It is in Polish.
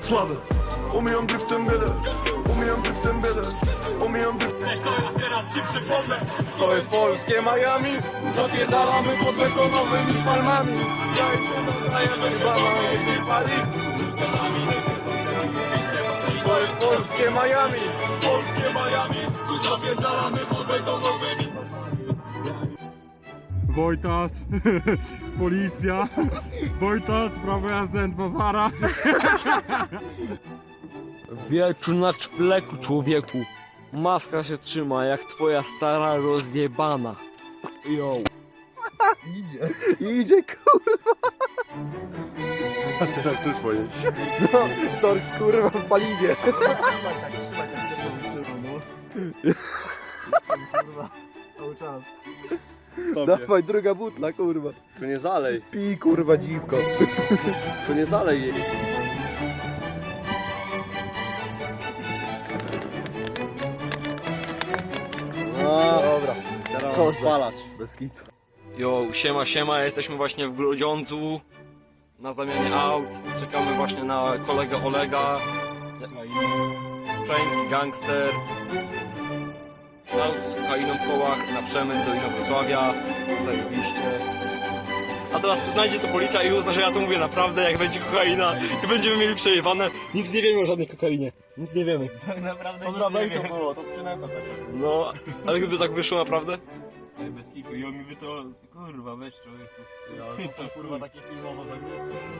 sławę. Umijam driftem biedę, umijam driftem biedę, umijam driftem. Teraz ci przypomnę. To jest polskie Miami, zapierdalamy pod betonowymi palmami. Ja idę na jednej jednej pali. To jest polskie Miami, polskie Miami, zapierdalamy pod betonowymi. Wojtas, policja, Wojtas, prawo jazdy N2 Wieczu na czwleku, człowieku. Maska się trzyma jak twoja stara rozjebana. Yo. Idzie, kurwa. A teraz ty twoje. No, Torx, kurwa, w paliwie. Cały czas. Dawaj, druga butla, kurwa. Tylko nie zalej. Pij, kurwa, dziwko. Tylko nie zalej jej. No, Dobra, teraz Koza. spalać. bez kitu. Yo, siema, jesteśmy właśnie w Grudziądzu na zamianie aut. Czekamy właśnie na kolegę Olega. Ukraiński gangster. Aut z kokainą w kołach na przemyt do Inowrocławia. Zajebiście. A teraz znajdzie to policja i uzna, że ja to mówię naprawdę, jak będzie kokaina i będziemy mieli przejebane. Nic nie wiemy o żadnej kokainie. Nic nie wiemy. Tak naprawdę Dobra, nic nie to wiem. było, to przynęta taka. No, ale gdyby tak wyszło naprawdę? Bez kitu i on mi by to... Kurwa, weź człowieku. Ja, to są kurwa takie filmowo zagrywki.